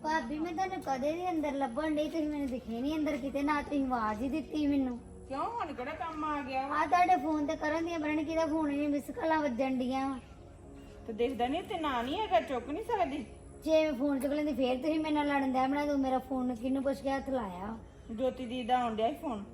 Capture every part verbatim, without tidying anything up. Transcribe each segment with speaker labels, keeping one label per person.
Speaker 1: ਭਾਬੀ ਮੈਂ ਤੁਹਾਨੂੰ ਕਦੇ ਦੇ ਅੰਦਰ ਲੱਭਣ ਡਈ, ਤੁਸੀਂ ਮੈਨੂੰ ਦਿਖੇ ਨਹੀਂ ਅੰਦਰ ਕਿਤੇ, ਨਾ ਤੁਸੀਂ ਆਵਾਜ਼ ਹੀ ਦਿੱਤੀ ਮੈਨੂੰ।
Speaker 2: ਕਿਉਂ ਹੁਣ ਕਿਹੜਾ ਕੰਮ ਆ ਗਿਆ
Speaker 1: ਆ ਤੁਹਾਡੇ ਫੋਨ ਤੇ ਕਰਨ ਦੀਆਂ ਬਰਨ ਕਿਹਦਾ ਫੋਨ ਨਹੀਂ, ਮਿਸ ਕਾਲਾਂ ਵੱਜਣ ਡੀਆਂ ਵਾ।
Speaker 2: ਤੇ ਦੇਖਦਾ ਨਹੀਂ ਤੇ ਨਾ ਨਹੀਂ ਹੈਗਾ, ਚੁੱਕ ਨਹੀਂ ਸਕਦੀ।
Speaker 1: ਜੇ ਮੈਂ ਫੋਨ ਚੁੱਕ ਲੈਂਦੀ ਫੇਰ ਤੁਸੀਂ ਮੇਰੇ ਨਾਲ ਲੜਨ ਦਿਆ ਬਣਾ, ਤੂੰ ਮੇਰਾ ਫੋਨ ਕਿਹਨੂੰ ਪੁੱਛ ਕੇ ਹੱਥ ਲਾਇਆ?
Speaker 2: ਜੋਤੀ ਦੀ ਦਾ ਆਉਣ ਡਿਆ ਸੀ ਫੋਨ,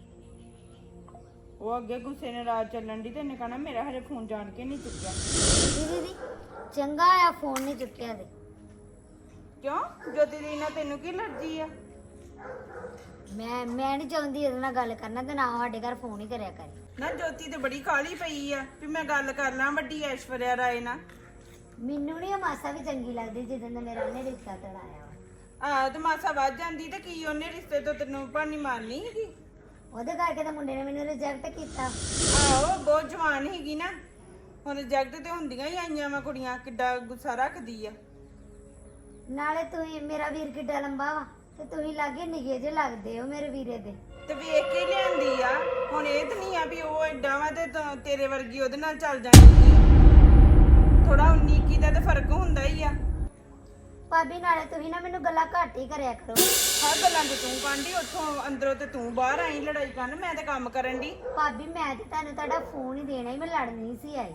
Speaker 2: ਉਹ ਅੱਗੇ ਗੁੱਸੇ ਨੇ ਰਾਤ ਚੱਲਣ ਦੀ ਤੇ ਇਹਨੇ ਕਹਣਾ ਮੇਰਾ ਹਰੇ ਫੋਨ ਜਾਣ ਕੇ ਨਹੀਂ ਚੁੱਕਿਆ।
Speaker 1: ਦੀਦੀ ਦੀ ਚੰਗਾ ਆ ਫੋਨ ਨਹੀਂ ਚੁੱਕਿਆ ਤੇ।
Speaker 2: ਕਿਉਂ ਜੋਤੀ ਦੀ ਨਾਲ ਤੈਨੂੰ ਕੀ ਅਲਰਜੀ ਆ?
Speaker 1: ਮੈਂ ਮੈਂ ਨਹੀਂ ਚਾਹੁੰਦੀ ਉਹਦੇ ਨਾਲ ਗੱਲ ਕਰਨਾ, ਤੇ ਨਾ ਸਾਡੇ ਘਰ ਫੋਨ ਹੀ ਕਰਿਆ ਕਰੇ।
Speaker 2: ਨਾ ਜੋਤੀ ਤੇ ਬੜੀ ਕਾਲੀ ਪਈ ਆ ਵੀ ਮੈਂ ਗੱਲ ਕਰ ਲਾਂ ਵੱਡੀ ਐਸ਼ਵਰਿਆ ਰਾਏ ਨਾਲ।
Speaker 1: ਮੈਨੂੰ ਨਹੀਂ ਮਾਸਾ ਵੀ ਚੰਗੀ ਲੱਗਦੀ ਜਿੱਦਾਂ ਦਾ ਮੇਰਾ ਉਹਨੇ ਰਿਸ਼ਤਾ ਤੜਾਇਆ ਵਾ।
Speaker 2: ਆ ਤੇ ਮਾਸਾ ਵੱਧ ਜਾਂਦੀ ਤੇ ਕੀ ਉਹਨੇ ਰਿਸ਼ਤੇ ਤੋਂ ਤੈਨੂੰ ਭਾਨੀ ਮਾਰਨੀ ਹੈਗੀ?
Speaker 1: ਉਹਦੇ ਕਰਕੇ ਤਾਂ ਮੁੰਡੇ ਨੇ ਮੈਨੂੰ ਰਿਜੈਕਟ ਕੀਤਾ।
Speaker 2: ਆਹੋ ਬਹੁਤ ਜਵਾਨ ਹੈਗੀ ਨਾ, ਹੁਣ ਰਿਜੈਕਟ ਤੇ ਹੁੰਦੀਆਂ ਹੀ ਆਈਆਂ ਵਾ ਕੁੜੀਆਂ, ਕਿੱਡਾ ਗੁੱਸਾ ਰੱਖਦੀ ਆ।
Speaker 1: ਨਾਲੇ ਤੁਸੀਂ ਮੇਰਾ ਵੀਰ ਕਿੱਡਾ ਲੰਬਾ ਵਾ ਤੇ ਤੁਸੀਂ ਲਾਗੇ ਨਿਗੇ ਜੇ ਲੱਗਦੇ ਹੋ ਮੇਰੇ ਵੀਰੇ ਦੇ।
Speaker 2: ਤੇ ਵੇਖ ਕੇ ਲਿਆਂਦੀ ਆ, ਹੁਣ ਇਹ ਤਾਂ ਨਹੀਂ ਆ ਵੀ ਉਹ ਐਡਾ ਵਾ ਤੇ ਤਾਂ ਤੇਰੇ ਵਰਗੀ ਉਹਦੇ ਨਾਲ ਚੱਲ ਜਾਣੀ। ਥੋੜਾ ਉੱਨੀ ਇੱਕੀ ਦਾ ਤਾਂ ਫਰਕ ਹੁੰਦਾ ਹੀ ਆ।
Speaker 1: ਭਾਬੀ ਨਾਲੇ ਤੁਸੀਂ ਨਾ ਮੈਨੂੰ ਗੱਲਾਂ ਘੱਟ ਹੀ ਕਰਿਆ ਕਰੋ।
Speaker 2: ਹਰ ਗੱਲਾਂ ਤੇ ਤੂੰ ਕਾਂਢੀ, ਉੱਥੋਂ ਅੰਦਰੋਂ ਤੇ ਤੂੰ ਬਾਹਰ ਆਈ ਲੜਾਈ ਕਰਨ, ਮੈਂ ਤੇ ਕੰਮ ਕਰਨ ਦੀ।
Speaker 1: ਭਾਬੀ ਮੈਂ ਤੇ ਤੁਹਾਨੂੰ ਤੁਹਾਡਾ ਫੋਨ ਹੀ ਦੇਣਾ ਹੀ, ਮੈਂ ਲੜਨ ਨਹੀਂ ਸੀ ਆਈ।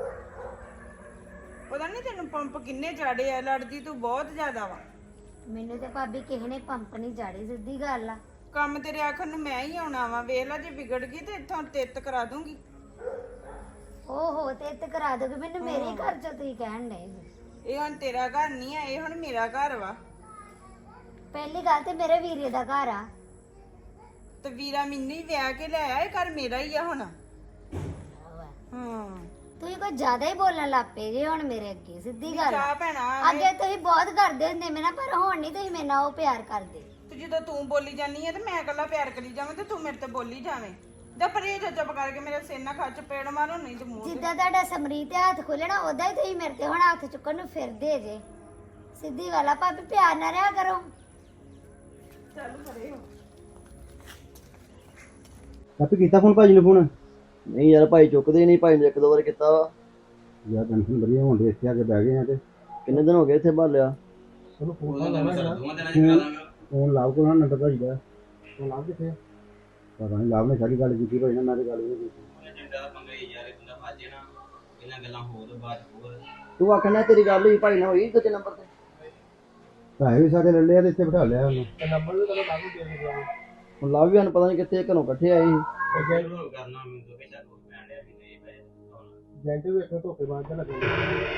Speaker 2: ਪਤਾ ਨਹੀਂ ਤੈਨੂੰ ਪੰਪ ਕਿੰਨੇ ਚਾੜੇ ਆ, ਲੜਦੀ ਤੂੰ ਬਹੁਤ ਜ਼ਿਆਦਾ ਵਾ।
Speaker 1: ਮੈਨੂੰ ਤੇ ਭਾਬੀ ਕਿਸੇ ਨੇ ਪੰਪ ਨਹੀਂ ਚਾੜੀ, ਸਿੱਧੀ ਗੱਲ ਆ।
Speaker 2: ਕੰਮ ਤੇਰੇ ਆਖਣ ਨੂੰ ਮੈਂ ਹੀ ਆਉਣਾ ਵਾ, ਵੇਖ ਲੈ ਜੇ ਵਿਗੜ ਗਈ ਤੇ ਇੱਥੋਂ ਤਿੱਤ ਕਰਾ ਦੂੰਗੀ।
Speaker 1: ਓਹੋ ਤੇ ਤੇ ਕਰਾ ਦੋਗੇ ਮੈਨੂੰ, ਮੇਰੇ ਘਰ ਚੋਂ ਤੁਸੀਂ ਕਹਿਣ ਡਏ ਜੀ।
Speaker 2: ਇਹ ਹੁਣ ਤੇਰਾ ਘਰ ਨਹੀਂ ਆ, ਇਹ ਹੁਣ ਮੇਰਾ ਘਰ ਵਾ।
Speaker 1: ਪਹਿਲੀ ਗੱਲ ਤੇ ਮੇਰੇ ਵੀਰੇ ਦਾ ਘਰ ਆ।
Speaker 2: ਤੇ ਵੀਰਾ ਮੈਨੂੰ ਹੀ ਵਿਆਹ ਕੇ ਲੈ ਆਇਆ, ਇਹ ਘਰ ਮੇਰਾ ਹੀ ਆ ਹੁਣ। ਹਾਂ
Speaker 1: ਤੁਸੀਂ ਕੋਈ ਜ਼ਿਆਦਾ ਹੀ ਬੋਲਣ ਲੱਗ ਪਏ ਜੇ ਹੁਣ ਮੇਰੇ ਅੱਗੇ, ਸਿੱਧੀ ਗੱਲ ਆ।
Speaker 2: ਚਾਹ ਭੈਣਾ
Speaker 1: ਅੱਗੇ ਤੁਸੀਂ ਬਹੁਤ ਕਰਦੇ ਹੁੰਦੇ ਮੇਰੇ ਨਾਲ, ਪਰ ਹੁਣ ਨਹੀਂ ਤੁਸੀਂ ਮੇਰੇ ਨਾਲ ਉਹ ਪਿਆਰ ਕਰਦੇ।
Speaker 2: ਤੇ ਜਦੋਂ ਤੂੰ ਬੋਲੀ ਜਾਨੀ ਆ ਤੇ ਮੈਂ ਇਕੱਲਾ ਪਿਆਰ ਕਰੀ ਜਾਵਾਂ ਤੇ ਤੂੰ ਮੇਰੇ ਤੇ ਬੋਲੀ ਜਾਵੇਂ। ਜਾਂ ਪਰੇ ਜੋ ਚੁੱਪ ਕਰਕੇ ਮੇਰੇ ਸਿਰ ਨਾਲ ਖਾ ਚਪੇੜ ਮਾਰੋ, ਨਹੀਂ ਤੇ ਮੂੰਹ ਤੇ।
Speaker 1: ਜਿੱਦਾਂ ਤੁਹਾਡਾ ਸਮਰੀਤ ਤੇ ਹੱਥ ਖੋਲਣਾ ਉਦਾਂ ਹੀ ਤੁਸੀਂ ਮੇਰੇ ਤੇ ਹੁਣ ਹੱਥ ਚੁੱਕਣ ਨੂੰ ਫਿਰਦੇ ਜੇ। ਸਿੱਧੀ ਗੱਲ ਆ ਭਾਬੀ, ਪਿਆਰ ਨਾ ਰਿਹਾ ਕਰੋ।
Speaker 2: ਚੱਲ ਪਰੇ ਹੋ।
Speaker 3: ਆਪੇ ਕੀਤਾ ਫੋਨ ਭਾਜੀ ਨੂੰ? ਫੋਨ ਨਹੀਂ ਯਾਰ, ਭਾਈ ਚੁੱਕਦੇ ਨਹੀਂ। ਭਾਈ ਨੇ ਇੱਕ ਦੋ ਵਾਰ ਕੀਤਾ ਵਾ ਯਾਰ, ਟੈਨਸ਼ਨ ਬੜੀ ਹੋਣ ਦੀ। ਇੱਥੇ ਆ ਕੇ ਬਹਿ ਗਏ ਆ ਤੇ ਕਿੰਨੇ ਦਿਨ ਹੋ ਗਏ ਇੱਥੇ ਭਾਲਿਆ। ਚਲੋ ਫੋਨ ਲਾ ਲਾਂਗੇ, ਫੋਨ ਲਾਭ ਕੋਲ ਨੰਬਰ ਭਾਜੀ ਦਾ। ਫੋਨ ਲਾਭ ਕਿੱਥੇ? ਪਤਾ ਨਹੀਂ, ਲਾਭ ਨੇ ਸਾਰੀ ਗੱਲ ਕੀਤੀ ਹੋਈ ਨਾ, ਮੈਂ ਤੇ ਗੱਲ ਨਹੀਂ ਕੀਤੀ।
Speaker 4: ਏਜੰਟਾਂ ਦਾ ਪੰਗਾ ਹੀ ਯਾਰ, ਬੰਦਾ ਫਸ ਜੇ ਨਾ ਇਹਨਾਂ ਗੱਲਾਂ ਹੋਰ ਬਾਅਦ ਹੋਰ।
Speaker 3: ਤੂੰ ਆਖਣਾ ਤੇਰੀ ਗੱਲ ਹੋਈ ਭਾਈ ਨਾਲ, ਹੋਈ ਦੂਜੇ ਨੰਬਰ ਤੇ? ਪੈਸੇ ਵੀ ਸਾਡੇ ਲੈ ਲਿਆ ਤੇ ਇੱਥੇ ਬਿਠਾ ਲਿਆ ਉਹਨੂੰ। ਨੰਬਰ ਵੀ ਕਦੋਂ ਲਾਭ ਨੂੰ ਦੇ ਗਿਆ। ਹੁਣ ਲਾਭ ਵੀ ਸਾਨੂੰ ਪਤਾ ਨਹੀਂ ਕਿੱਥੇ, ਘਰੋਂ ਇਕੱਠੇ ਆਏ ਸੀ।
Speaker 4: ਕਰਨਾ ਮੈਨੂੰ ਤਾਂ ਕਿਸੇ ਨੂੰ ਪੈਣ ਡਿਆ ਵੀ ਨਹੀਂ ਪਏ ਹੁਣ।
Speaker 3: ਏਜੰਟ ਵੀ ਇੱਥੇ ਧੋਖੇ ਬਾਅਦ ਦਾ ਲੱਗੇ।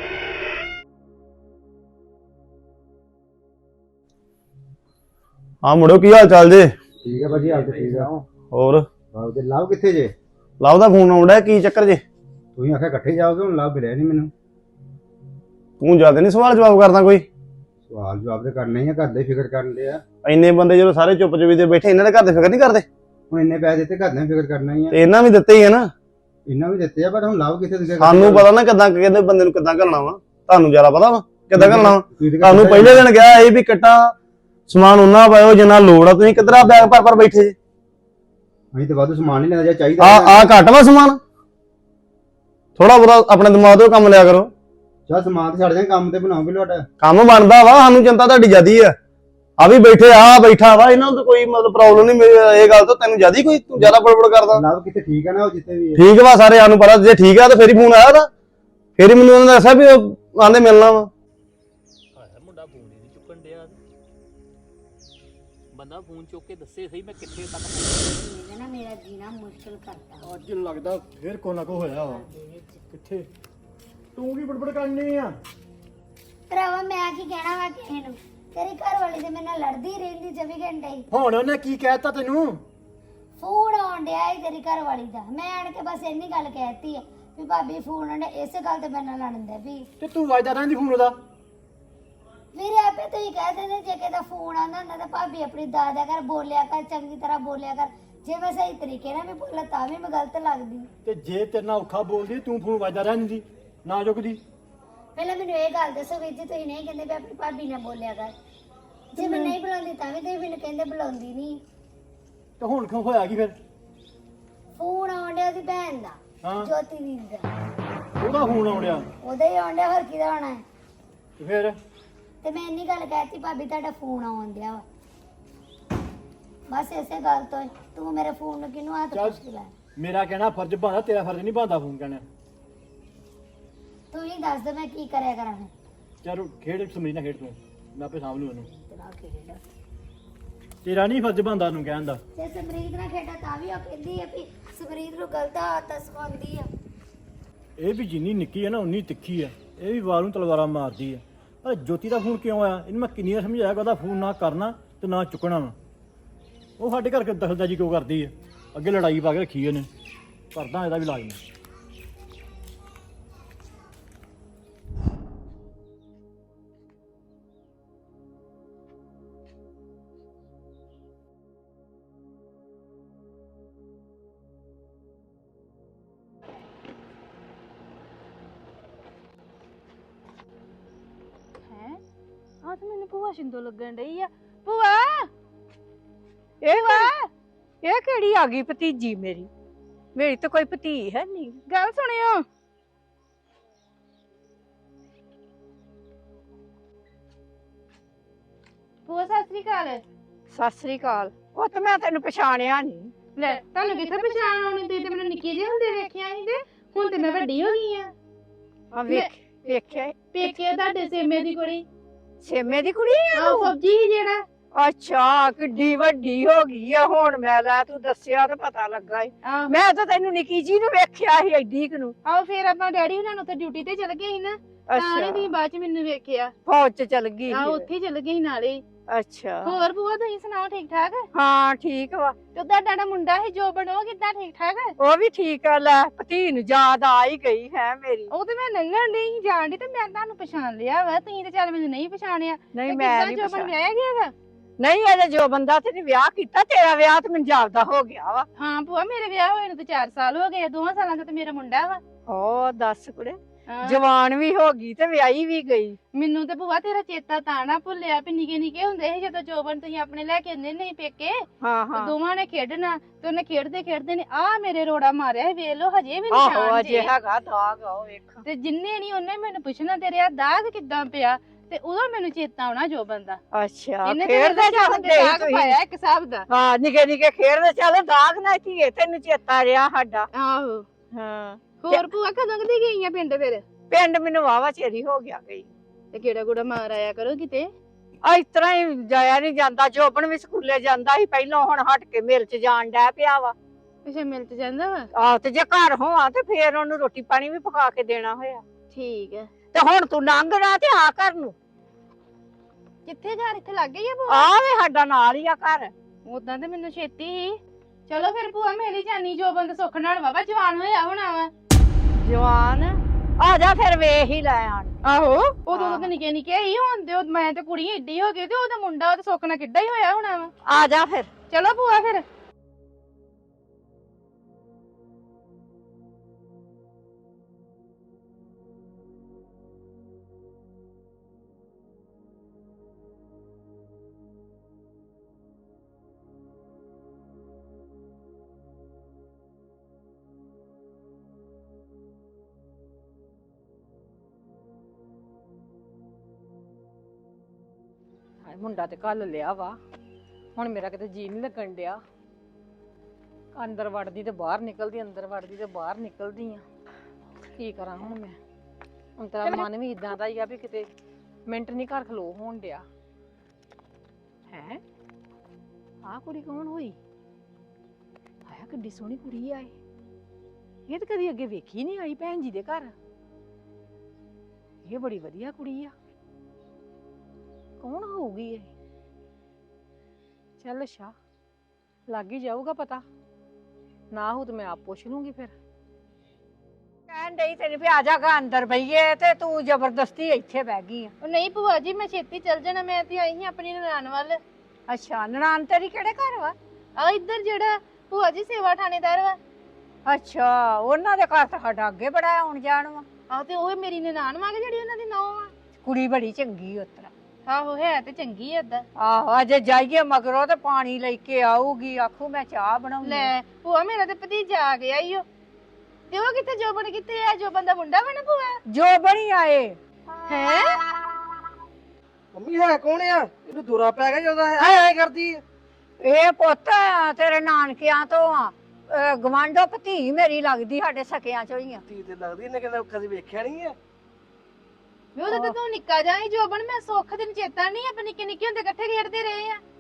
Speaker 5: ਹਾਂ ਮੁੰਡਿਓ, ਕੀ ਹਾਲ ਚਾਲ ਜੇ?
Speaker 3: ਠੀਕ ਹੈ ਭਾਜੀ, ਹਾਲ ਤੇ ਠੀਕ ਆ।
Speaker 5: ਹੋਰ
Speaker 3: ਲਾਭ ਤੇ ਲਾਭ ਕਿੱਥੇ ਜੇ?
Speaker 5: ਲਵ ਦਾ ਫੋਨ ਆਉਂਦਾ, ਕੀ ਚੱਕਰ ਜੇ?
Speaker 3: ਤੁਸੀਂ ਆਖਿਆ ਇਕੱਠੇ ਜਾਓਗੇ, ਹੁਣ ਲਾਭ ਮਿਲਿਆ ਨਹੀਂ ਮੈਨੂੰ।
Speaker 5: ਤੂੰ ਜਿਆਦਾ ਨਹੀਂ ਸਵਾਲ ਜਵਾਬ ਕਰਦਾ ਕੋਈ?
Speaker 3: ਸਵਾਲ ਜਵਾਬ ਤੇ ਕਰਨਾ ਹੀ ਆ, ਘਰ ਦੇ ਫਿਕਰ ਕਰਨ ਦੇ ਆ।
Speaker 5: ਇੰਨੇ ਬੰਦੇ ਜਦੋਂ ਸਾਰੇ ਚੁੱਪ ਚੁਪੀ ਦੇ ਬੈਠੇ, ਇਹਨਾਂ ਦੇ ਘਰ ਦੇ ਫਿਕਰ ਨਹੀਂ ਕਰਦੇ?
Speaker 3: ਹੁਣ ਇੰਨੇ ਪੈਸੇ ਦਿੱਤੇ, ਘਰ ਦੇ ਫਿਕਰ ਕਰਨਾ ਹੀ ਆ।
Speaker 5: ਤੇ ਇਹਨਾਂ ਵੀ ਦਿੱਤੇ ਹੀ ਆ ਨਾ।
Speaker 3: ਇਹਨਾਂ ਵੀ ਦਿੱਤੇ ਆ, ਪਰ ਹੁਣ ਲਾਭ ਕਿੱਥੇ ਦਿੱਤੇ?
Speaker 5: ਸਾਨੂੰ ਪਤਾ ਨਾ ਕਿੱਦਾਂ ਕਹਿੰਦੇ ਬੰਦੇ ਨੂੰ ਕਿੱਦਾਂ ਕਰਨਾ ਵਾ, ਤੁਹਾਨੂੰ ਜ਼ਿਆਦਾ ਪਤਾ ਵਾ ਕਿੱਦਾਂ ਕਰਨਾ ਵਾ। ਤੁਹਾਨੂੰ ਪਹਿਲੇ ਦਿਨ ਕਿਹਾ ਇਹ ਵੀ ਕਿੱਟਾ ਸਮਾਨ ਉਹਨਾਂ ਪਾਇਓ ਜਿੰਨਾ ਲੋੜ ਆ, ਤੁਸੀਂ ਕਿੱਧਰ ਬੈਗ ਭਰ ਭਰ ਬੈਠੇ ਜੇ?
Speaker 3: ਅਸੀਂ ਤਾਂ ਵਾਧੂ ਸਮਾਨ ਨਹੀਂ ਲੈਣਾ, ਜਾਂ ਚਾਹੀਦਾ
Speaker 5: ਆ ਆ ਘੱਟ ਵਾ ਸਮਾਨ? ਥੋੜਾ ਬਹੁਤਾ ਆਪਣੇ ਦਿਮਾਗ ਤੋਂ ਕੰਮ ਲਿਆ ਕਰੋ।
Speaker 3: ਚਾ ਸਮਾਨ ਤੇ ਛੱਡ ਜਾਂ, ਕੰਮ ਤੇ ਬਣਾਓਗੇ ਲੋਟਾ।
Speaker 5: ਕੰਮ ਬਣਦਾ ਵਾ, ਸਾਨੂੰ ਚਿੰਤਾ ਤੁਹਾਡੀ ਜ਼ਿਆਦੀ ਆ। ਆ ਵੀ ਬੈਠੇ ਆ ਬੈਠਾ ਵਾ, ਇਹਨਾਂ ਨੂੰ ਤਾਂ ਕੋਈ ਮਤਲਬ ਪ੍ਰੋਬਲਮ ਨਹੀਂ। ਮੇਰੀ ਇਹ ਗੱਲ ਤੋਂ ਤੈਨੂੰ ਜ਼ਿਆਦੀ ਕੋਈ, ਤੂੰ ਜ਼ਿਆਦਾ ਬੜਬੜ ਕਰਦਾ।
Speaker 3: ਲਾਭ ਕਿਤੇ ਠੀਕ ਆ ਨਾ, ਉਹ ਜਿੱਥੇ ਵੀ
Speaker 5: ਠੀਕ ਵਾ, ਸਾਰੇ ਸਾਨੂੰ ਪਤਾ। ਜੇ ਠੀਕ ਆ ਤਾਂ ਫੇਰ ਹੀ ਫੋਨ ਆਇਆ ਉਹਦਾ, ਫੇਰ ਹੀ ਮੈਨੂੰ ਉਹਨਾਂ ਨੇ ਦੱਸਿਆ ਵੀ ਉਹ ਆਂਦੇ ਮਿਲਣਾ ਵਾ।
Speaker 6: ਮੁੰਡਾ ਫੋਨ ਹੀ ਨਹੀਂ ਚੁੱਕਣ ਡਿਆ। ਬੰਦਾ ਫੋਨ ਚੁੱਕ ਕੇ ਦੱਸੇ ਸਹੀ ਮੈਂ ਕਿੱਥੇ ਤੱਕ
Speaker 1: ਇਹਨੇ ਨਾ ਮੇਰਾ ਜੀਣਾ ਮੁਸ਼ਕਿਲ ਕਰਤਾ।
Speaker 3: ਅੱਜ ਲੱਗਦਾ ਫੇਰ ਕੋ ਨਾ ਕੋ ਹੋਇਆ ਵਾ। ਕਿੱਥੇ ਤੂੰ ਕੀ ਬੜਬੜ ਕਰਨੀ ਆ?
Speaker 1: ਭਰਾਵਾ ਮੈਂ ਕੀ ਕਹਿਣਾ ਵਾ ਕਿਸੇ ਨੂੰ? ਤੇਰੀ ਘਰ ਵਾਲੀ ਤੇ ਮੇਰੇ ਨਾਲ ਲੜਦੀ ਰਹਿੰਦੀ ਚੌਵੀ ਘੰਟੇ ਹੀ।
Speaker 3: ਹੁਣ ਉਹਨੇ ਕੀ ਕਹਿਤਾ ਤੈਨੂੰ?
Speaker 1: ਫੋਨ ਆਉਣ ਡਿਆ ਈ ਤੇਰੀ ਘਰ ਵਾਲੀ ਦਾ, ਮੈਂ ਆਣ ਕੇ ਬਸ ਇੰਨੀ ਗੱਲ ਕਹਿਤੀ ਆ ਵੀ ਭਾਬੀ ਫੋਨ ਆਉਣ ਡਿਆ, ਇਸੇ ਗੱਲ ਤੇ ਮੇਰੇ ਨਾਲ ਲੜਨ ਦੇ ਵੀ।
Speaker 3: ਤੇ ਤੂੰ ਵਾਜਦਾ ਰਹਿੰਦੀ ਫੋਨ ਉਹਦਾ।
Speaker 1: ਵੀਰੇ ਆਪੇ ਤੁਸੀਂ ਕਹਿ ਦਿੰਦੇ ਜੇ ਕਿਤੇ ਫੋਨ ਆਉਂਦਾ ਹੁੰਦਾ ਤਾਂ ਭਾਬੀ ਆਪਣੀ ਦਾਦਾ ਘਰ ਬੋਲਿਆ ਕਰ, ਚੰਗੀ ਤਰ੍ਹਾਂ ਬੋਲਿਆ ਕਰ। ਜੇ ਮੈਂ ਸਹੀ ਤਰੀਕੇ ਨਾਲ ਵੀ ਬੋਲਾਂ ਤਾਂ ਵੀ ਮੈਂ ਗਲਤ ਲੱਗਦੀ।
Speaker 3: ਤੇ ਜੇ ਤੇਰੇ ਨਾਲ ਔਖਾ ਬੋਲਦੀ, ਤੂੰ ਫੋਨ ਵਾਜਦਾ ਰਹਿੰਦੀ ਨਾ ਚੁੱਕਦੀ।
Speaker 1: ਪਹਿਲਾਂ ਮੈਨੂੰ ਇਹ ਗੱਲ ਦੱਸੋ ਵੀਰ ਜੀ, ਤੁਸੀਂ ਨਹੀਂ ਕਹਿੰਦੇ ਵੀ ਆਪਣੀ ਭਾਬੀ ਨਾਲ ਬੋਲਿਆ ਕਰ। ਜੇ ਮੈਂ ਨਹੀਂ ਬੁਲਾਉਂਦੀ ਤਾਂ ਵੀ ਤੁਸੀਂ ਮੈਨੂੰ ਕਹਿੰਦੇ ਬੁਲਾਉਂਦੀ ਨਹੀਂ।
Speaker 3: ਤੇ ਹੁਣ ਕਿਉਂ ਹੋਇਆ ਕੀ ਫਿਰ?
Speaker 1: ਫੋਨ ਆਉਣ ਡਿਆ ਉਹਦੀ ਭੈਣ ਦਾ,
Speaker 3: ਹਾਂ,
Speaker 1: ਜੋਤੀ ਦੀ ਦਾ।
Speaker 3: ਉਹਦਾ ਫੋਨ ਆਉਣ ਡਿਆ
Speaker 1: ਉਹਦਾ ਹੀ ਆਉਣ ਡਿਆ, ਹੋਰ ਕਿਹਦਾ ਆਉਣਾ ਹੈ?
Speaker 3: ਤੇ ਫਿਰ
Speaker 1: ਤੇ ਮੈਂ ਇੰਨੀ ਗੱਲ ਕਹਿਤੀ ਭਾਬੀ ਤੁਹਾਡਾ ਫੋਨ ਆਉਣ ਡਿਆ ਵਾ ਬਸ ਇਸੇ ਗੱਲ ਤੋਂ ਹੀ। ਤੂੰ ਮੇਰੇ ਫੋਨ ਨੂੰ ਕਿਹਨੂੰ ਹੱਥ
Speaker 7: ਚੱਲ।
Speaker 1: ਪੁੱਛ ਕੇ ਲੈ
Speaker 7: ਮੇਰਾ ਕਹਿਣਾ ਫਰਜ਼ ਬਣਦਾ, ਤੇਰਾ ਫਰਜ਼ ਨਹੀਂ ਬਣਦਾ ਫੋਨ ਕਹਿਣਾ।
Speaker 1: ਤੂੰ ਹੀ ਦੱਸ ਦੇ ਮੈਂ ਕੀ ਕਰਿਆ ਕਰਾਂ ਫਿਰ।
Speaker 7: ਚਲ ਖੇਡ ਸਮਝ ਨਾ ਖੇਡ ਤੂੰ, ਮੈਂ ਆਪੇ ਸਾਂਭ ਲੂ ਉਹਨੂੰ।
Speaker 1: ਤੇਰਾ ਖੇਡ
Speaker 7: ਤੇਰਾ ਨਹੀਂ ਫਰਜ਼ ਬਣਦਾ ਉਹਨੂੰ ਕਹਿਣ ਦਾ।
Speaker 1: ਜੇ ਸਮਰੀਤ ਨਾਲ ਖੇਡਾ ਤਾਂ ਵੀ ਉਹ ਕਹਿੰਦੀ ਆ ਵੀ ਸਮਰੀਤ ਨੂੰ ਗਲਤ ਆਦਤ ਸਿਖਾਉਂਦੀ ਆ।
Speaker 7: ਇਹ ਵੀ ਜਿੰਨੀ ਨਿੱਕੀ ਹੈ ਨਾ ਉਨੀ ਤਿੱਖੀ ਹੈ, ਇਹ ਵੀ ਵਾਰ ਨੂੰ ਤਲਵਾਰਾਂ ਮਾਰਦੀ ਹੈ। ਪਰ ਜੋਤੀ ਦਾ ਫੋਨ ਕਿਉਂ ਆਇਆ ਇਹਨੂੰ ਮੈਂ ਕਿੰਨੀ ਵਾਰ ਸਮਝਾਇਆ ਕਿ ਉਹਦਾ ਫੋਨ ਨਾ ਕਰਨਾ ਤੇ ਨਾ ਚੁੱਕਣਾ ਵਾ। ਉਹ ਸਾਡੇ ਘਰ ਦਖਲਅੰਦਾਜ਼ੀ ਕਿਉਂ ਕਰਦੀ ਹੈ? ਅੱਗੇ ਲੜਾਈ ਪਾ ਕੇ ਰੱਖੀ ਉਹਨੇ, ਕਰਦਾ ਇਹਦਾ ਵੀ ਇਲਾਜ ਮੈਂ।
Speaker 8: ਆ ਤਾਂ ਮੈਨੂੰ ਭੂਆ ਸ਼ਿੰਦੋ ਲੱਗਣ ਡਈ ਆ। ਭੂਆ ਇਹ ਵਾ ਇਹ ਕਿਹੜੀ ਆ ਗਈ ਭਤੀਜੀ ਮੇਰੀ? ਮੇਰੀ ਤਾਂ ਕੋਈ ਭਤੀ ਹੈ ਨਹੀਂ। ਗੱਲ ਸੁਣਿਓ, ਭੂਆ ਸਤਿ ਸ੍ਰੀ ਅਕਾਲ। ਸਤਿ ਸ੍ਰੀ ਅਕਾਲ। ਉਹ ਤਾਂ ਮੈਂ ਤੈਨੂੰ ਪਛਾਣਿਆ ਨਹੀਂ। ਲੈ ਤੁਹਾਨੂੰ ਕਿੱਥੇ ਪਛਾਣ ਆਉਣੀ? ਤੁਸੀਂ ਤੇ ਮੈਨੂੰ ਨਿੱਕੀ ਜਿਹੀ ਹੁੰਦੇ ਵੇਖਿਆ ਨਹੀਂ ਤੇ ਹੁਣ ਤੇ ਮੈਂ ਵੱਡੀ ਹੋ ਗਈ ਆ। ਆ ਵੇਖ ਵੇਖਿਆ ਪੇਕੇ ਤੁਹਾਡੇ ਸੇਮੇ ਦੀ ਕੁੜੀ। ਸੇਮੇ ਦੀ ਕੁੜੀ ਆ ਉਹ ਫੌਜੀ ਸੀ ਜਿਹੜਾ। ਅੱਛਾ ਕਿੱਡੀ ਵੱਡੀ ਹੋ ਗਈ ਆ ਹੁਣ। ਮੈਂ ਲੈ ਤੂੰ ਦੱਸਿਆ ਤਾਂ ਪਤਾ ਲੱਗਾ ਈ। ਮੈਂ ਤਾਂ ਤੈਨੂੰ ਨਿੱਕੀ ਜੀ ਨੂੰ ਵੇਖਿਆ ਸੀ ਐਡੀ ਕੁ ਨੂੰ। ਆਓ ਫੇਰ ਆਪਾਂ ਡੈਡੀ ਹੁਣਾਂ ਨੂੰ ਤੇ ਡਿਊਟੀ ਤੇ ਚਲ ਗਏ ਸੀ ਨਾ, ਤਾਂ ਨਹੀਂ ਤੁਸੀਂ ਬਾਅਦ ਚ ਮੈਨੂੰ ਵੇਖਿਆ। ਫੌਜ ਚ ਚਲ ਗਈ? ਆ ਉੱਥੇ ਚਲ ਗਈ ਨਾਲੇ। ਅੱਛਾ ਹੋਰ ਭੂਆ ਤੁਸੀਂ ਸੁਣਾਓ ਠੀਕ ਠਾਕ? ਹਾਂ ਠੀਕ ਵਾ। ਤੇ ਉਹਦਾ ਡਾਡਾ ਮੁੰਡਾ ਸੀ ਜੋ ਬਣੋ ਕਿੱਦਾਂ ਠੀਕ ਠਾਕ? ਉਹ ਵੀ ਠੀਕ ਆ। ਲੈ ਭਤੀ ਨੂੰ ਯਾਦ ਆ ਹੀ ਗਈ ਹੈ ਮੇਰੀ। ਉਹ ਤੇ ਮੈਂ ਲੰਘਣ ਨਹੀਂ ਜਾਣਦੀ ਤੇ ਮੈਂ ਤੁਹਾਨੂੰ ਪਛਾਣ ਲਿਆ ਵਾ। ਤੁਸੀਂ ਤੇ ਚੱਲ ਮੈਨੂੰ ਨਹੀਂ ਪਛਾਣਿਆ। ਨਹੀਂ ਮੈਂ ਨਹੀਂ ਪਛਾਣਿਆ। ਵਿਆਹਿਆ ਗਿਆ ਵਾ? ਨਹੀਂ ਅਜੇ ਜੋ ਬੰਦਾ ਤੇ ਵਿਆਹ ਕੀਤਾ। ਤੇਰਾ ਵਿਆਹ ਤੇ ਮੈਨੂੰ ਜਾਪਦਾ ਹੋ ਗਿਆ ਵਾ। ਹਾਂ ਭੂਆ ਮੇਰੇ ਵਿਆਹ ਹੋਏ ਨੂੰ ਤੇ ਚਾਰ ਸਾਲ ਹੋ ਗਏ। ਦੋਵਾਂ ਸਾਲਾਂ ਦਾ ਤੇ ਮੇਰਾ ਮੁੰਡਾ ਵਾ। ਓ ਦੱਸ ਕੁੜੇ, ਜਵਾਨ ਵੀ ਹੋ ਗਈ ਤੇ ਵਿਆਹੀ ਵੀ ਗਈ। ਮੈਨੂੰ ਤੇ ਭੂਆ ਤੇਰਾ ਚੇਤਾ ਤਾਂ ਨਾ ਭੁੱਲਿਆ ਵੀ ਨਿੱਕੇ ਨਿੱਕੇ ਹੁੰਦੇ ਸੀ ਜਦੋਂ ਜੋਬਨ ਤੁਸੀਂ ਆਪਣੇ ਲੈ ਕੇ ਆਉਂਦੇ ਨਹੀਂ ਪੇਕੇ। ਹਾਂ ਹਾਂ ਦੋਵਾਂ ਨੇ ਖੇਡਣਾ ਤੇ ਉਹਨੇ ਖੇਡਦੇ ਖੇਡਦੇ ਨੇ ਆ ਮੇਰੇ ਰੋੜਾ ਮਾਰਿਆ। ਵੇਖ ਲੋ ਹਜੇ ਵੀ ਨਿਸ਼ਾਨ ਜੇ। ਆਹੋ ਅਜੇ ਹੈਗਾ ਦਾਗ। ਆਓ ਵੇਖ। ਤੇ ਜਿੰਨੇ ਨਹੀਂ ਉਹਨੇ ਮੈਨੂੰ ਪੁੱਛਣਾ ਤੇਰੇ ਆ ਦਾਗ ਕਿੱਦਾਂ ਪਿਆ ਤੇ ਉਦੋਂ ਮੈਨੂੰ ਚੇਤਾ ਆਉਣਾ ਜੋਬਨ ਦਾ। ਅੱਛਾ ਖੇਡਦੇ ਜਾਂਦੇ ਦਾਗ ਪਾਇਆ ਇੱਕ ਹਿਸਾਬ ਦਾ। ਹਾਂ ਨਿੱਕੇ ਨਿੱਕੇ ਖੇਡਦੇ ਚੱਲ ਦਾਗ ਨਾ ਧੀਏ ਤੈਨੂੰ ਚੇਤਾ ਰਿਹਾ ਸਾਡਾ। ਆਹੋ ਹਾਂ। ਹੋਰ ਭੂਆ ਕਦੋਂ ਕਦੀ ਗਈ ਆ ਪਿੰਡ? ਫਿਰ ਪਿੰਡ ਮੈਨੂੰ ਵਾਵਾ ਚੇਰੀ ਹੋ ਗਿਆ ਗਈ। ਤੇ ਕਿਹੜਾ ਗੁੜਾ ਮਾਰ ਆਇਆ ਕਰੋ ਕਿਤੇ। ਆ ਇਸ ਤਰ੍ਹਾਂ ਹੀ ਜਾਇਆ ਨਹੀਂ ਜਾਂਦਾ। ਜੋਬਨ ਵੀ ਸਕੂਲੇ ਜਾਂਦਾ ਸੀ ਪਹਿਲਾਂ, ਹੁਣ ਹਟ ਕੇ ਮਿਲ ਚ ਜਾਣ ਡੈ ਪਿਆ ਵਾ। ਅੱਛਾ ਮਿਲ ਚ ਜਾਂਦਾ ਵਾ? ਆਹ ਤੇ ਜੇ ਘਰ ਹੋਵਾਂ ਤੇ ਫੇਰ ਉਹਨੂੰ ਰੋਟੀ ਪਾਣੀ ਵੀ ਪਕਾ ਕੇ ਦੇਣਾ ਹੋਇਆ। ਠੀਕ ਹੈ। ਤੇ ਹੁਣ ਤੂੰ ਲੰਘਣਾ ਤੇ ਆ ਘਰ ਨੂੰ। ਕਿੱਥੇ ਘਰ? ਇੱਥੇ ਲੱਗ ਗਈ ਆ ਭੂਆ? ਆ ਵੇ ਸਾਡਾ ਨਾਲ ਹੀ ਆ ਘਰ। ਉਦਾਂ ਤੇ ਮੈਨੂੰ ਛੇਤੀ ਹੀ। ਚਲੋ ਫਿਰ ਭੂਆ ਮੇਰੀ ਜਾਨੀ ਜੋਬਨ ਦੇ ਸੁੱਖ ਨਾਲ ਵਾਵਾ ਜਵਾਨ ਹੋਇਆ ਹੋਣਾ ਵਾ। ਜਵਾਨ ਆ ਜਾ ਫਿਰ ਵੇਖ ਹੀ ਲੈ ਆਣ। ਆਹੋ ਉਦੋਂ ਤਾਂ ਨਿੱਕੇ ਨਿੱਕੇ ਹੀ ਹੁੰਦੇ। ਮੈਂ ਤੇ ਕੁੜੀ ਏਡੀ ਹੋ ਗਈ ਤੇ ਉਹਦਾ ਮੁੰਡਾ ਤੇ ਸੁੱਖ ਨਾਲ ਕਿੱਡਾ ਹੀ ਹੋਇਆ ਹੋਣਾ ਵਾ। ਆ ਜਾ ਫਿਰ। ਚਲੋ ਭੂਆ ਫਿਰ। ਮੁੰਡਾ ਤੇ ਕੱਲ ਲਿਆ ਵਾ। ਹੁਣ ਮੇਰਾ ਕਿਤੇ ਜੀ ਨਹੀਂ ਲੱਗਣ ਡਿਆ। ਅੰਦਰ ਵੜਦੀ ਤੇ ਬਾਹਰ ਨਿਕਲਦੀ, ਅੰਦਰ ਵੜਦੀ ਤੇ ਬਾਹਰ ਨਿਕਲਦੀ ਆ। ਕੀ ਕਰਾਂ ਹੁਣ ਮੈਂ? ਹੁਣ ਤੇਰਾ ਮਨ ਵੀ ਇਦਾਂ ਦਾ ਹੀ ਆ ਵੀ ਕਿਤੇ ਮਿੰਟ ਨਹੀਂ ਘਰ ਖਲੋ ਹੋਣ ਡਿਆ ਹੈ। ਆਹ ਕੁੜੀ ਕੌਣ ਹੋਈ? ਆਇਆ ਕਿੱਡੀ ਸੋਹਣੀ ਕੁੜੀ ਆ। ਇਹ ਤਾਂ ਕਦੀ ਅੱਗੇ ਵੇਖੀ ਨਹੀਂ ਆਈ ਭੈਣ ਜੀ ਦੇ ਘਰ। ਇਹ ਬੜੀ ਵਧੀਆ ਕੁੜੀ ਆ। ਕੌਣ ਹੋਊਗੀ ਇਹ? ਚੱਲ ਅੱਛਾ ਲੱਗ ਹੀ ਜਾਊਗਾ ਪਤਾ। ਨਾ ਹੋ ਤੇ ਮੈਂ ਆਪ ਪੁੱਛ ਲੂੰਗੀ। ਫਿਰ ਕਹਿਣ ਡਈ ਤੈਨੂੰ ਵੀ ਆ ਜਾਗਾ ਅੰਦਰ ਬਈਏ ਤੇ ਤੂੰ ਜ਼ਬਰਦਸਤੀ ਇੱਥੇ ਬਹਿ ਗਈ ਆ। ਨਹੀਂ ਭੂਆ ਜੀ ਮੈਂ ਛੇਤੀ ਚੱਲ ਜਾਣਾ। ਮੈਂ ਤੇ ਆਈ ਸੀ ਆਪਣੀ ਨਨਾਣ ਵੱਲ। ਅੱਛਾ ਨਨਾਣ ਤੇਰੀ ਕਿਹੜੇ ਘਰ ਵਾ? ਆ ਇੱਧਰ ਜਿਹੜਾ ਭੂਆ ਜੀ ਸੇਵਾ ਥਾਣੇਦਾਰ ਵਾ। ਅੱਛਾ ਉਹਨਾਂ ਦੇ ਘਰ ਤਾਂ ਸਾਡਾ ਅੱਗੇ ਬੜਾ ਆਉਣ ਜਾਣ ਵਾ। ਆਹ ਤੇ ਉਹ ਮੇਰੀ ਨਨਾਣ ਵਾ ਜਿਹੜੀ ਉਹਨਾਂ ਦੀ ਨੌਂ ਆ। ਕੁੜੀ ਬੜੀ ਚੰਗੀ ਉਤਰਾ। ਆਹੋ ਹੈ ਤੇ ਚੰਗੀ ਐ ਏਦਾਂ। ਆਹੋ ਅਜੇ ਜਾਈਏ ਮਗਰੋਂ ਤੇ ਪਾਣੀ ਲੈ ਕੇ ਆਊਗੀ। ਆਖੂ ਮੈਂ ਚਾਹ ਬਣਾਉਣੀ। ਲੈ ਭੂਆ ਮੇਰਾ ਤੇ ਭਤੀਜਾ ਆ ਗਿਆ ਈ ਓ। ਤੇ ਉਹ ਕਿੱਥੇ? ਜੋਬਨ ਕਿੱਥੇ ਆ? ਜੋਬਨ ਦਾ ਮੁੰਡਾ ਵਾ ਨਾ ਭੂਆ? ਜੋਬਨ ਹੀ ਆਏ ਹੈ।
Speaker 9: ਮੰਮੀ ਹੈ ਕੌਣ ਆ? ਇਹਨੂੰ ਦੂਰਾ ਪੈ ਗਿਆ ਜਦੋਂ ਐ ਐ ਕਰਦੀ ਆ।
Speaker 8: ਇਹ ਪੁੱਤ ਤੇਰੇ ਨਾਨਕਿਆਂ ਤੋਂ ਆ ਗਵਾਂਢੋ ਭਤੀ ਮੇਰੀ ਲੱਗਦੀ ਸਾਡੇ ਸਕਿਆਂ ਚੋਂ ਹੀ ਆ।
Speaker 9: ਧੀ ਤੇ ਲੱਗਦੀ ਇਹਨੇ ਕਹਿੰਦਾ ਕਦੀ ਵੇਖਿਆ ਨਹੀਂ ਆ।
Speaker 10: ਵੇ ਉਹਦਾ ਤਾਂ ਤੂੰ ਨਿੱਕਾ ਜਾ ਹੀ ਜੋਬਨ ਮੈਂ ਸੁੱਖ ਦਿਨ ਚੇਤਾ ਨਹੀਂ ਆਪਾਂ ਨਿੱਕੇ ਨਿੱਕੇ ਹੁੰਦੇ ਇਕੱਠੇ ਖੇਡਦੇ ਰਹੇ ਆ।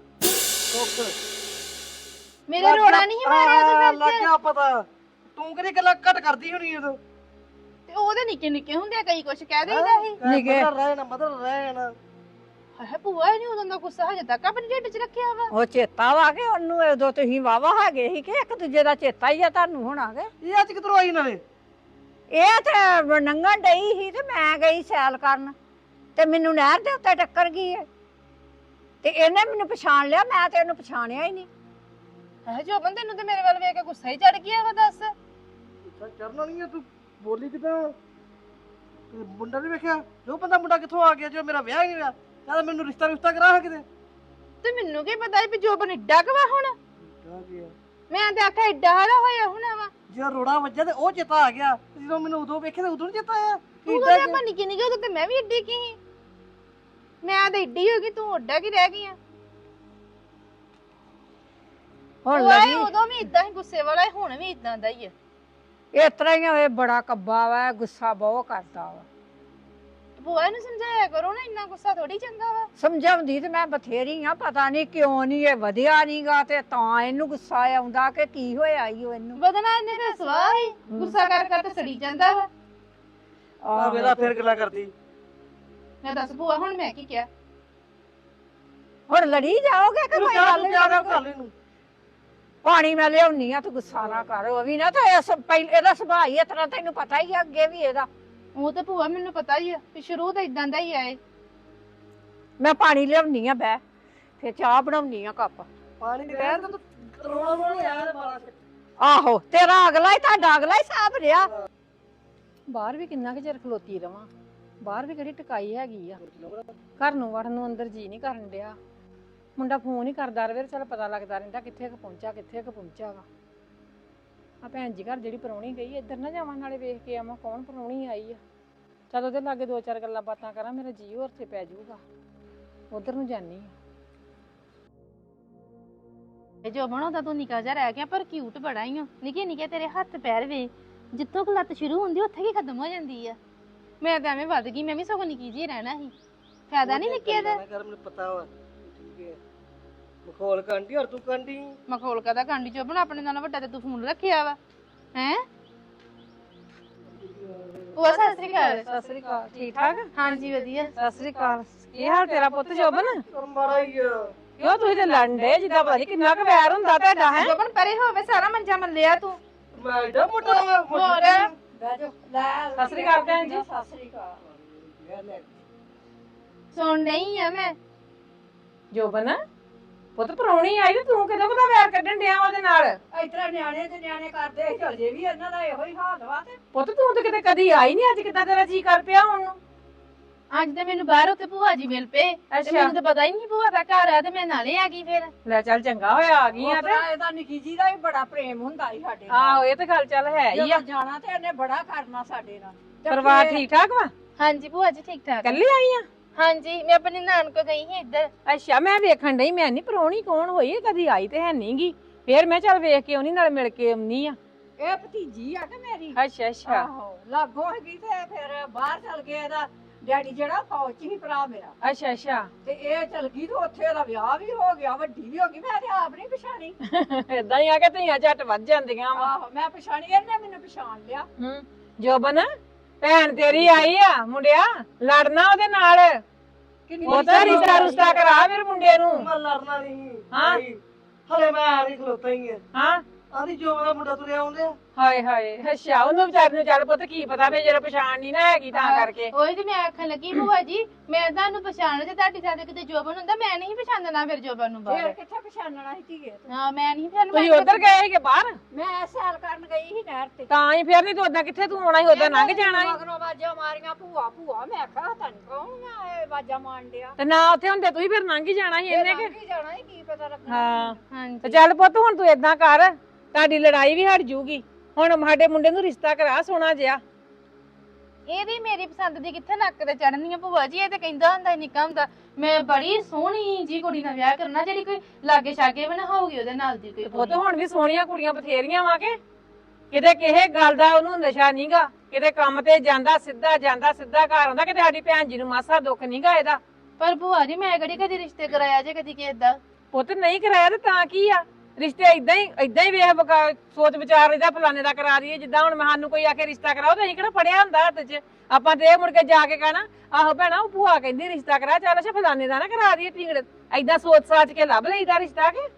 Speaker 10: ਮੇਰੇ ਰੋੜਾ ਨਹੀਂ ਮਾਰਿਆ ਉਹਦੇ ਸਿਰ 'ਚ।
Speaker 9: ਲੱਗ ਗਿਆ ਪਤਾ। ਤੂੰ ਕਿਹੜੀ ਗੱਲਾਂ ਘੱਟ ਕਰਦੀ ਹੋਣੀ ਉਦੋਂ।
Speaker 10: ਤੇ ਉਹਦੇ ਨਿੱਕੇ ਨਿੱਕੇ ਹੁੰਦੇ ਕਈ ਕੁਛ ਕਹਿ ਦੇਈਦਾ ਸੀ।
Speaker 9: ਨਿੱਕੇ ਰਹਿ ਨਾ ਮਤਲਬ ਰਹਿ ਨਾ।
Speaker 10: ਹਾਏ ਭੂਆ ਨਹੀਂ ਉਦੋਂ ਦਾ ਗੁੱਸਾ ਹਜੇ ਤੱਕ ਆਪਣੇ ਢਿੱਡ 'ਚ ਰੱਖਿਆ ਵਾ।
Speaker 8: ਉਹ ਚੇਤਾ ਵਾ ਕਿ ਉਹਨੂੰ ਉਦੋਂ ਤੁਸੀਂ ਵਾਵਾ ਹੈਗੇ ਸੀ ਕਿ ਇੱਕ ਦੂਜੇ ਦਾ ਚੇਤਾ ਹੀ ਆ ਤੁਹਾਨੂੰ ਹੁਣ ਆ ਗਏ।
Speaker 9: ਇਹ ਅੱਜ ਕਿਧਰੋਂ ਆਈ ਨਾਲੇ?
Speaker 8: ਇਹ ਤੇ ਨੰਗਣ ਡਈ ਸੀ ਤੇ ਮੈਂ ਗਈ ਸੈਲ ਕਰਨ ਤੇ ਮੈਨੂੰ ਨਹਿਰ ਦੇ ਉੱਤੇ ਟੱਕਰ ਗਈ ਹੈ ਤੇ ਇਹਨੇ ਮੈਨੂੰ ਪਛਾਣ ਲਿਆ, ਮੈਂ ਤੇ ਇਹਨੂੰ ਪਛਾਣਿਆ ਹੀ ਨਹੀਂ।
Speaker 10: ਹਾਏ ਜੋਬਨ ਤੈਨੂੰ ਤੇ ਮੇਰੇ ਵੱਲ ਵੇਖ ਕੇ ਗੁੱਸਾ ਹੀ ਚੜ ਗਿਆ ਵਾ ਦੱਸ।
Speaker 9: ਗੁੱਸਾ ਚੜਨਾ ਨਹੀਂ ਆ ਤੂੰ ਬੋਲੀ ਕਿਦਾਂ? ਤੇ ਮੁੰਡਾ ਨਹੀਂ ਵੇਖਿਆ? ਜੋ ਬੰਦਾ ਮੁੰਡਾ ਕਿੱਥੋਂ ਆ ਗਿਆ ਜੋ ਮੇਰਾ ਵਿਆਹ ਹੀ ਨਹੀਂ ਹੋਇਆ? ਕਹਿੰਦਾ ਮੈਨੂੰ ਰਿਸ਼ਤਾ ਰਿਸ਼ਤਾ ਕਰਾ ਕਿਤੇ।
Speaker 10: ਤੇ ਮੈਨੂੰ ਕੀ ਪਤਾ ਵੀ ਜੋਬਨ ਏਡਾ ਕੁ ਵਾ ਹੁਣ।
Speaker 9: ਆ ਗਿਆ
Speaker 10: ਮੈਂ ਤੇ ਆਖਿਆ ਏਡਾ ਹਾਲਾ ਹੋਇਆ ਹੋਣਾ ਵਾ।
Speaker 9: ਜੇ ਰੋੜਾ ਵੱਜਾ ਤੇ ਉਹ ਚੇਤਾ ਆ ਗਿਆ। ਜਦੋਂ ਮੈਨੂੰ ਉਦੋਂ ਵੇਖਿਆ ਤੇ ਉਦੋਂ ਨਹੀਂ ਚੇਤਾ ਆਇਆ।
Speaker 10: ਤੂੰ ਕਹਿੰਦਾ ਆਪਾਂ ਨਿੱਕੀ ਨਿੱਕੀ ਉਦੋਂ ਤੇ ਮੈਂ ਵੀ ਏਡੀ ਕੀ ਸੀ। ਮੈਂ ਤਾਂ ਏਡੀ ਹੋ ਗਈ ਤੂੰ ਓਡਾ ਕੀ ਰਹਿ ਗਈ ਆ।
Speaker 8: ਹੁਣ
Speaker 10: ਉਹ
Speaker 8: ਲੱਗੀ
Speaker 10: ਉਦੋਂ ਵੀ ਇਦਾਂ ਹੀ ਗੁੱਸੇ ਵਾਲਾ ਸੀ, ਹੁਣ ਵੀ ਇਦਾਂ ਦਾ ਹੀ ਆ।
Speaker 8: ਇਸ ਤਰ੍ਹਾਂ ਹੀ ਹੋਏ, ਬੜਾ ਕੱਬਾ ਵਾ, ਗੁੱਸਾ ਬਹੁਤ ਕਰਦਾ ਵਾ।
Speaker 10: ਭੂਆ ਨੂੰ ਸਮਝਾਇਆ ਕਰੋ ਨਾ, ਇੰਨਾ ਗੁੱਸਾ ਥੋੜੀ ਚੰਗਾ ਵਾ।
Speaker 8: ਸਮਝਾਉਂਦੀ ਤੇ ਮੈਂ ਬਥੇਰੀ ਆ, ਪਤਾ ਨਹੀਂ ਕਿਉਂ ਨਹੀਂ ਇਹ ਵਧਿਆ ਨਹੀਂਗਾ ਤੇ ਤਾਂ ਇਹਨੂੰ ਗੁੱਸਾ ਆਉਂਦਾ ਕਿ ਕੀ ਹੋਇਆ ਈ ਓ ਇਹਨੂੰ।
Speaker 10: ਬਦਨਾ ਇਹਨੇ ਤੇ ਸਵਾਹ ਹੀ ਗੁੱਸਾ ਕਰ ਕਰ ਤੇ ਸੜੀ ਜਾਂਦਾ ਵਾ।
Speaker 9: ਆ ਵੇਲਾ ਫੇਰ ਗੱਲਾਂ ਕਰਦੀ।
Speaker 10: ਮੈਂ ਦੱਸ ਭੂਆ ਹੁਣ ਮੈਂ ਕੀ ਕਿਹਾ?
Speaker 8: ਹੁਣ ਲੜੀ ਜਾਓਗੇ ਕਿ ਕੋਈ ਗੱਲ ਨਹੀਂ? ਪਾਣੀ ਮੈਂ ਲਿਆਉਣੀ ਆ, ਤੂੰ ਗੁੱਸਾ ਨਾ ਕਰ। ਉਹ ਵੀ ਨਾ ਤਾਂ ਇਹਦਾ ਸੁਭਾਅ ਹੀ ਇਸ ਤਰ੍ਹਾਂ, ਤੈਨੂੰ ਪਤਾ ਹੀ ਆ ਅੱਗੇ ਵੀ ਇਹਦਾ।
Speaker 10: ਉਹ ਤੇ ਭੂਆ ਮੈਨੂੰ ਪਤਾ ਹੀ ਆ ਕਿ ਸ਼ੁਰੂ ਤੋਂ ਇਦਾਂ ਦਾ ਹੀ ਆਏ।
Speaker 8: ਮੈਂ ਪਾਣੀ ਲਿਆਉਣੀ ਆ ਬੈ, ਫਿਰ ਚਾਹ ਬਣਾਉਣੀ ਆ ਕੱਪ।
Speaker 9: ਪਾਣੀ ਨਹੀਂ ਰਹਿਣ ਤਾਂ ਤੂੰ ਰੋਣਾ ਰੋਣਾ ਯਾਰ ਬਾਲਾ।
Speaker 8: ਆਹੋ ਤੇਰਾ ਅਗਲਾ ਹੀ ਤੁਹਾਡਾ ਅਗਲਾ ਹੀ ਸਾਬ ਰਿਹਾ। ਬਾਹਰ ਵੀ ਕਿੰਨਾ ਕੁ ਚਿਰ ਖਲੋਤੀ ਰਵਾਂ, ਬਾਹਰ ਵੀ ਕਿਹੜੀ ਟਿਕਾਈ ਹੈਗੀ ਆ। ਘਰ ਨੂੰ ਵੜਨ ਨੂੰ ਅੰਦਰ ਜੀ ਨਹੀਂ ਕਰਨ ਡਿਆ। ਮੁੰਡਾ ਫੋਨ ਹੀ ਕਰਦਾ ਰਵੇ, ਚੱਲ ਪਤਾ ਲੱਗਦਾ ਰਹਿੰਦਾ ਕਿੱਥੇ ਕੁ ਪਹੁੰਚਾ ਕਿੱਥੇ ਕੁ ਪਹੁੰਚਾ ਵਾ। ਆ ਭੈਣ ਜੀ ਘਰ ਜਿਹੜੀ ਪਰੌਣੀ ਗਈ, ਇੱਧਰ ਨਾ ਜਾਵਾਂ, ਨਾਲੇ ਵੇਖ ਕੇ ਆਵਾਂ ਕੌਣ ਪਰੌਣੀ ਆਈ ਆ। ਚੱਲ ਉਹਦੇ ਲਾਗੇ ਦੋ ਚਾਰ ਗੱਲਾਂ ਬਾਤਾਂ ਕਰਾਂ, ਮੇਰਾ ਜੀ ਹੋਰ ਤੇ ਪੈ ਜਾਊਗਾ। ਉਧਰ ਨੂੰ ਜਾਨੀ ਆ।
Speaker 10: ਇਹ ਜੋ ਬਣਾਉਂਦਾ ਤੂੰ ਨਿੱਕਾ ਜਿਹਾ ਰਹਿ ਗਿਆ, ਪਰ ਕਿਊਟ ਬੜਾ ਹੀ ਆ। ਨਿੱਕੇ ਨਿੱਕੇ ਤੇਰੇ ਹੱਥ ਪੈਰ ਵੇ, ਜਿੱਥੋਂ ਕੁ ਲੱਤ ਸ਼ੁਰੂ ਹੁੰਦੀ ਉੱਥੇ ਕੀ ਖਤਮ ਹੋ ਜਾਂਦੀ ਆ। ਮੈਂ ਤਾਂ ਐਵੇਂ ਵੱਧ ਗਈ, ਮੈਂ ਵੀ ਸਗੋਂ ਨਿੱਕੀ ਜਿਹੀ ਰਹਿਣਾ ਸੀ। ਫਾਇਦਾ ਨਹੀਂ ਨਿੱਕੇ ਦਾ।
Speaker 9: ਮੈਨੂੰ ਪਤਾ ਵਾ ਠੀਕ ਹੈ। ਮਖੌਲ ਕਾਂਡੀ ਔਰ ਤੂੰ ਕਾਂਡੀ।
Speaker 10: ਮਖੌਲ ਕਦਾ ਕਾਂਡੀ ਚੋਂ ਬਣਾ, ਆਪਣੇ ਨਾਲ ਵੱਡਾ ਤੇ ਤੂੰ ਫੋਨ ਰੱਖਿਆ ਵਾ ਹੈ। ਉਹ ਸਤਿ ਸ੍ਰੀ ਅਕਾਲ।
Speaker 8: ਸਤਿ ਸ੍ਰੀ ਅਕਾਲ। ਠੀਕ ਠਾਕ?
Speaker 10: ਹਾਂਜੀ ਵਧੀਆ।
Speaker 8: ਸਤਿ ਸ੍ਰੀ ਅਕਾਲ। ਕੀ ਹਾਲ ਤੇਰਾ ਪੁੱਤ ਜੋਬਨ?
Speaker 9: ਮਾੜਾ ਹੀ ਆ।
Speaker 8: ਕਿਉਂ ਤੁਸੀਂ ਤੇ ਲੰਡੇ ਜਿੱਦਾਂ ਪਤਾ ਨੀ ਕਿੰਨਾ ਕੁ ਵੈਰ ਹੁੰਦਾ ਤੁਹਾਡਾ ਹੈ।
Speaker 10: ਜੋਬਨ ਪਰੇ ਹੋਵੇ, ਸਾਰਾ ਮੰਜਾ ਮੱਲਿਆ ਤੂੰ।
Speaker 9: ਮੈਂ ਏਡਾ ਮੋਟਾ ਵਾ।
Speaker 10: ਹੋਰ
Speaker 8: ਸਤਿ ਸ੍ਰੀ ਅਕਾਲ ਭੈਣ ਜੀ। ਸਤਿ ਸ੍ਰੀ ਅਕਾਲ।
Speaker 10: ਸੁਣ ਨਹੀਂ ਆ ਮੈਂ।
Speaker 8: ਜੋਬਨ ਪੁੱਤ ਪਰੌਣੀ ਆਈ ਤੇ ਤੂੰ ਕਿਦੋਂ ਕਦਾ ਵੈਰ ਕੱਢਣ ਡਿਆ ਉਹਦੇ ਨਾਲ?
Speaker 11: ਇਤਰਾ ਨਿਆਣੇ ਤੇ ਨਿਆਣੇ ਕਰਦੇ ਚਲ ਜੇ ਵੀ ਇਹਨਾਂ ਦਾ ਇਹੋ ਹੀ ਹਾਲ ਵਾ ਤੇ
Speaker 8: ਪੁੱਤ ਤੂੰ ਤੇ ਕਿਤੇ ਕਦੀ ਆਈ ਨਹੀਂ, ਅੱਜ ਕਿੱਦਾਂ ਤੇਰਾ ਜੀ ਕਰ ਪਿਆ ਹੁਣ ਨੂੰ?
Speaker 10: ਅੱਜ ਤੇ ਮੈਨੂੰ ਬਾਹਰ ਉੱਤੇ ਭੂਆ ਜੀ ਮਿਲ ਪਏ ਤੇ ਮੈਨੂੰ ਤਾਂ ਪਤਾ ਹੀ ਨਹੀਂ ਭੂਆ ਦਾ ਘਰ ਆ ਤੇ ਮੈਂ ਨਾਲੇ ਆ ਗਈ ਫਿਰ।
Speaker 8: ਲੈ ਚੱਲ ਚੰਗਾ ਹੋਇਆ ਆ ਗਈ ਆ ਤੇ।
Speaker 11: ਇਹਦਾ ਨਿੱਕੀ ਜੀ ਦਾ ਵੀ ਬੜਾ ਪ੍ਰੇਮ ਹੁੰਦਾ ਸੀ ਸਾਡੇ
Speaker 8: ਆਹੋ ਇਹ ਤੇ ਗੱਲ ਚੱਲ ਹੈ ਹੀ ਆ।
Speaker 11: ਜਦੋਂ ਜਾਣਾ ਤੇ ਇਹਨੇ ਬੜਾ ਕਰਨਾ ਸਾਡੇ ਨਾਲ। ਤੇ
Speaker 8: ਪਰਿਵਾਰ
Speaker 11: ਫਿਰ-
Speaker 8: ਠੀਕ ਠਾਕ ਵਾ?
Speaker 10: ਹਾਂਜੀ ਭੂਆ ਜੀ ਠੀਕ ਠਾਕ।
Speaker 8: ਕੱਲੀ ਆਈ ਆ?
Speaker 10: ਹਾਂਜੀ ਮੈਂ ਆਪਣੀ ਨਾਨ ਕੋ ਗਈ ਸੀ ਇੱਧਰ।
Speaker 8: ਅੱਛਾ ਮੈਂ ਵੇਖਣ ਡਈ, ਮੈਂ ਨਹੀਂ ਪਰੌਣੀ ਕੌਣ ਹੋਈ, ਕਦੀ ਆਈ ਤੇ ਹੈ ਨਹੀਂਗੀ। ਫੇਰ ਮੈਂ ਚੱਲ ਵੇਖ ਕੇ ਆਉਣੀ, ਨਾਲ ਮਿਲ ਕੇ ਆਉਣੀ ਆ।
Speaker 11: ਇਹ ਭਤੀਜੀ ਆ ਕਿ ਮੇਰੀ।
Speaker 8: ਅੱਛਾ ਅੱਛਾ।
Speaker 11: ਆਹੋ ਲਾਗੋਂ ਹੈਗੀ ਤੇ ਫਿਰ ਬਾਹਰ ਚਲ ਕੇ ਇਹਦਾ ਡੈਡੀ ਜਿਹੜਾ ਫੌਜ ਚ ਹੀ ਭਰਾ ਮੇਰਾ,
Speaker 8: ਅੱਛਾ ਅੱਛਾ।
Speaker 11: ਤੇ ਇਹ ਚਲ ਗਈ ਤੇ ਉੱਥੇ ਇਹਦਾ ਵਿਆਹ ਵੀ ਹੋ ਗਿਆ, ਵੱਡੀ ਵੀ ਹੋ ਗਈ। ਮੈਂ ਤੇ ਆਪ ਨਹੀਂ ਪਛਾਣੀ।
Speaker 8: ਏਦਾਂ ਹੀ ਆ ਕਿ ਧੀਆਂ ਝੱਟ ਵੱਧ ਜਾਂਦੀਆਂ ਵਾ।
Speaker 11: ਆਹੋ ਮੈਂ ਪਛਾਣੀ, ਇਹਨੇ ਮੈਨੂੰ ਪਛਾਣ ਲਿਆ।
Speaker 8: ਹੂੰ ਜੋਬਨ ਭੈਣ ਤੇਰੀ ਆਈ ਆ, ਮੁੰਡਿਆ ਲੜਨਾ ਉਹਦੇ ਨਾਲ। ਉਹ ਤਾਂ ਰਿਸ਼ਤਾ ਰੁਸ਼ਤਾ ਕਰਾ ਮੇਰੇ ਮੁੰਡੇ ਨੂੰ।
Speaker 9: ਮੈਂ ਲੜਨਾ ਨਹੀਂ।
Speaker 8: ਹਾਂ।
Speaker 9: ਹਲੇ ਮੈਂ ਆ ਨਹੀਂ ਖਲੋਤਾ ਹੀ ਆ।
Speaker 8: ਹਾਂ
Speaker 9: ਆਦੀ ਜੋ ਦਾ ਮੁੰਡਾ ਤੁਰਿਆ ਆਉਂਦੇ।
Speaker 8: ਹਾਏ ਹਾਏ ਅੱਛਾ, ਉਹਨੂੰ ਵਿਚਾਰ ਨੂੰ ਚੱਲ ਪੁੱਤ ਕੀ ਪਤਾ ਵੀ ਜਿਹੜਾ ਪਛਾਣ ਨਹੀਂ ਨਾ ਹੈਗੀ ਤਾਂ ਕਰਕੇ।
Speaker 10: ਉਹੀ ਤੇ ਮੈਂ ਆਖਣ ਲੱਗੀ ਭੂਆ ਜੀ, ਮੈਂ ਤੁਹਾਨੂੰ ਪਛਾਣ ਜੇ ਤੁਹਾਡੀ ਸਾਡੇ ਕਿਤੇ ਜੋਬਨ ਹੁੰਦਾ, ਮੈਂ ਨਹੀਂ ਪਛਾਣਨਾ ਫਿਰ ਜੋਬਨ ਨੂੰ
Speaker 11: ਫਿਰ
Speaker 10: ਬਾਹਰ।
Speaker 11: ਕਿੱਥੇ ਪਛਾਣਨਾ ਸੀ ਧੀਏ ਤੂੰ?
Speaker 10: ਹਾਂ ਮੈਂ ਨਹੀਂ ਪਛਾਣਨਾ।
Speaker 8: ਤੁਸੀਂ ਉਧਰ ਗਏ ਸੀਗੇ ਬਾਹਰ?
Speaker 11: ਮੈਂ ਸੈਰ ਕਰਨ ਗਈ ਸੀ ਨਹਿਰ ਤੇ।
Speaker 8: ਤਾਂ ਹੀ ਫਿਰ ਨਹੀਂ ਤੂੰ ਉਦਾਂ ਕਿੱਥੇ ਤੂੰ ਆਉਣਾ ਸੀ, ਉਦਾਂ ਲੰਘ ਜਾਣਾ ਸੀ।
Speaker 11: ਮਗਰੋਂ ਆਵਾਜ਼ਾਂ ਮਾਰੀਆਂ ਭੂਆ ਭੂਆ। ਮੈਂ ਆਖਿਆ ਤੈਨੂੰ ਕੌਣ ਮੈਂ ਇਹ ਆਵਾਜ਼ਾਂ ਮਾਰਨ ਡਿਆ।
Speaker 8: ਤੇ ਨਾ ਉੱਥੇ ਹੁੰਦੇ ਤੁਸੀਂ ਫਿਰ ਲੰਘ ਹੀ ਜਾਣਾ ਸੀ ਇਹਨੇ ਕਿ।
Speaker 11: ਕੀ ਜਾਣਾ ਸੀ, ਕੀ ਪਤਾ ਲੱਗਣਾ।
Speaker 8: ਹਾਂ
Speaker 10: ਹਾਂਜੀ
Speaker 8: ਤੇ ਚੱਲ ਪੁੱਤ ਹੁਣ ਤੂੰ ਏਦਾਂ ਕਰ, ਤੁਹਾਡੀ ਲੜਾਈ ਵੀ ਹਟ ਜੂਗੀ। ਹੁਣ ਸਾਡੇ ਮੁੰਡੇ ਨੂੰ ਰਿਸ਼ਤਾ ਕਰਾ ਸੋਹਣਾ ਜਿਹਾ।
Speaker 10: ਇਹਦੀ ਮੇਰੀ ਪਸੰਦ ਦੀ ਕਿੱਥੇ ਨੱਕ ਤੇ ਚੜਨੀ ਆ ਭੂਆ ਜੀ। ਇਹ ਤੇ ਕਹਿੰਦਾ ਹੁੰਦਾ ਨਿੱਕਾ ਹੁੰਦਾ ਮੈਂ ਬੜੀ ਸੋਹਣੀ ਜੀ ਕੁੜੀ ਨਾਲ ਵਿਆਹ ਕਰਨਾ ਜਿਹੜੀ ਕੋਈ ਲਾਗੇ ਛਾਗੇ ਵੀ ਨਾ ਹੋਊਗੀ ਉਹਦੇ ਨਾਲ ਦੀ ਕੋਈ
Speaker 11: ਪੁੱਤ ਹੁਣ ਵੀ ਸੋਹਣੀਆਂ ਕੁੜੀਆਂ ਬਥੇਰੀਆਂ ਵਾ ਕੇ ਕਿਤੇ ਕਿਸੇ ਗੱਲ ਦਾ ਉਹਨੂੰ ਨਸ਼ਾ ਨਹੀਂਗਾ, ਕਿਤੇ ਕੰਮ ਤੇ ਜਾਂਦਾ ਸਿੱਧਾ ਜਾਂਦਾ ਸਿੱਧਾ ਘਰ ਆਉਂਦਾ, ਕਿਤੇ ਸਾਡੀ ਭੈਣ ਜੀ ਨੂੰ ਮਾਸਾ ਦੁੱਖ ਨਹੀਂਗਾ ਇਹਦਾ।
Speaker 10: ਪਰ ਭੂਆ ਜੀ ਮੈਂ ਕਿਹੜੀ ਕਦੀ ਰਿਸ਼ਤੇ ਕਰਾਇਆ ਜੇ ਕਦੀ ਕਿਸੇ ਦਾ।
Speaker 11: ਪੁੱਤ ਨਹੀਂ ਕਰਾਇਆ ਤੇ ਤਾਂ ਕੀ ਆ, ਰਿਸ਼ਤੇ ਇਦਾਂ ਹੀ ਇਦਾਂ ਹੀ ਵੇਖ ਬਕਾ- ਸੋਚ ਵਿਚਾਰ ਇਹਦਾ ਫਲਾਣੇ ਦਾ ਕਰਾ ਦਈਏ। ਜਿੱਦਾਂ ਹੁਣ ਸਾਨੂੰ ਕੋਈ ਆ ਕੇ ਰਿਸ਼ਤਾ ਕਰਾਓ ਤੇ ਅਸੀਂ ਕਿਹੜਾ ਫੜਿਆ ਹੁੰਦਾ ਹੱਥ 'ਚ, ਆਪਾਂ ਤੇ ਇਹ ਮੁੜ ਕੇ ਜਾ ਕੇ ਕਹਿਣਾ ਆਹੋ ਭੈਣਾ ਉਹ ਭੂਆ ਕਹਿੰਦੀ ਰਿਸ਼ਤਾ ਕਰਾ, ਚੱਲ ਅੱਛਾ ਫਲਾਣੇ ਦਾ ਨਾ ਕਰਾ ਦਈਏ। ਟਿੰਗੜ ਏਦਾਂ ਸੋਚ ਸਾਚ ਕੇ ਲੱਭ ਲਈਦਾ ਰਿਸ਼ਤਾ ਕੇ।